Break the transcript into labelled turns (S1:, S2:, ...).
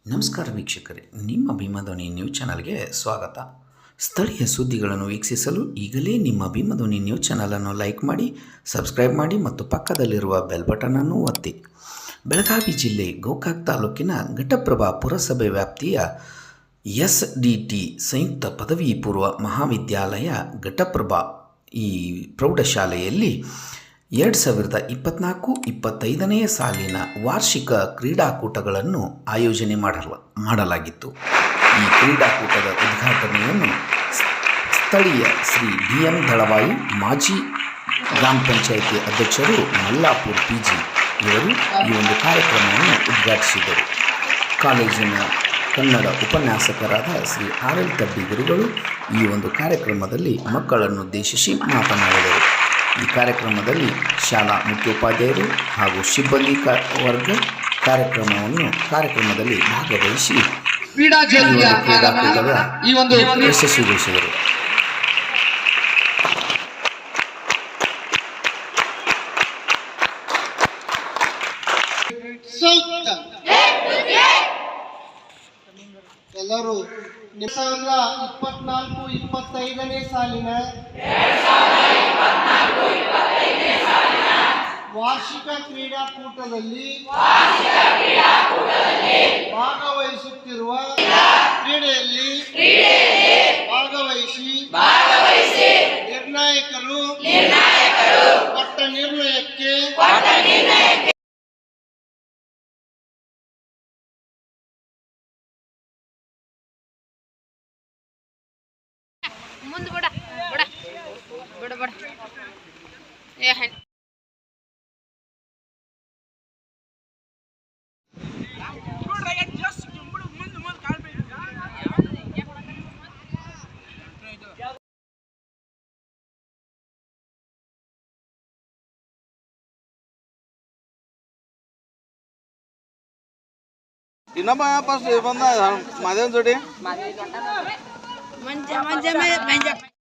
S1: ನಮಸ್ಕಾರ ವೀಕ್ಷಕರೇ, ನಿಮ್ಮ ಭೀಮಧ್ವನಿ ನ್ಯೂಸ್ ಚಾನಲ್ಗೆ ಸ್ವಾಗತ. ಸ್ಥಳೀಯ ಸುದ್ದಿಗಳನ್ನು ವೀಕ್ಷಿಸಲು ಈಗಲೇ ನಿಮ್ಮ ಭೀಮಧ್ವನಿ ನ್ಯೂಸ್ ಚಾನಲನ್ನು ಲೈಕ್ ಮಾಡಿ, ಸಬ್ಸ್ಕ್ರೈಬ್ ಮಾಡಿ ಮತ್ತು ಪಕ್ಕದಲ್ಲಿರುವ ಬೆಲ್ ಬಟನನ್ನು ಒತ್ತಿ. ಬೆಳಗಾವಿ ಜಿಲ್ಲೆ ಗೋಕಾಕ್ ತಾಲೂಕಿನ ಘಟಪ್ರಭಾ ಪುರಸಭೆ ವ್ಯಾಪ್ತಿಯ SDT ಸಂಯುಕ್ತ ಪದವಿ ಪೂರ್ವ ಮಹಾವಿದ್ಯಾಲಯ ಘಟಪ್ರಭಾ ಈ ಪ್ರೌಢಶಾಲೆಯಲ್ಲಿ 2024-25ನೇ ಸಾಲಿನ ವಾರ್ಷಿಕ ಕ್ರೀಡಾಕೂಟಗಳನ್ನು ಆಯೋಜನೆ ಮಾಡಲಾಗಿತ್ತು. ಈ ಕ್ರೀಡಾಕೂಟದ ಉದ್ಘಾಟನೆಯನ್ನು ಸ್ಥಳೀಯ ಶ್ರೀ DM ದಳವಾಯಿ ಮಾಜಿ ಗ್ರಾಮ ಪಂಚಾಯಿತಿ ಅಧ್ಯಕ್ಷರು ಮಲ್ಲಾಪುರ್ PG ಇವರು ಈ ಒಂದು ಕಾರ್ಯಕ್ರಮವನ್ನು ಉದ್ಘಾಟಿಸಿದರು. ಕಾಲೇಜಿನ ಕನ್ನಡ ಉಪನ್ಯಾಸಕರಾದ ಶ್ರೀ RL ತಬ್ಬಿ ಗುರುಗಳು ಈ ಒಂದು ಕಾರ್ಯಕ್ರಮದಲ್ಲಿ ಮಕ್ಕಳನ್ನುದ್ದೇಶಿಸಿ ಮಾತನಾಡಿದರು. ಈ ಕಾರ್ಯಕ್ರಮದಲ್ಲಿ ಶಾಲಾ ಮುಖ್ಯೋಪಾಧ್ಯಾಯರು ಹಾಗೂ ಸಿಬ್ಬಂದಿ ವರ್ಗ ಕಾರ್ಯಕ್ರಮದಲ್ಲಿ ಭಾಗವಹಿಸಿ ಕ್ರೀಡಾಕೂಟದ ಯಶಸ್ವಿಗೊಳಿಸಿದರು.
S2: ಎಲ್ಲರೂ 2024-25ನೇ ಸಾಲಿನ ವಾರ್ಷಿಕ ಕ್ರೀಡಾಕೂಟದಲ್ಲಿ ಭಾಗವಹಿಸುತ್ತಿರುವ ಕ್ರೀಡೆಯಲ್ಲಿ ಭಾಗವಹಿಸಿ ನಿರ್ಣಾಯಕರು ಕೊಟ್ಟ ನಿರ್ಣಯಕ್ಕೆ
S3: ಮುಂದೆ ಬಡ ಬಡ ಬಡ ಬಡ ಏ
S4: ಇನ್ನೊಬ್ಬ ಫಸ್ಟ್ ಬಂದ ಮಾದೇವನ್ ಜೋಡಿ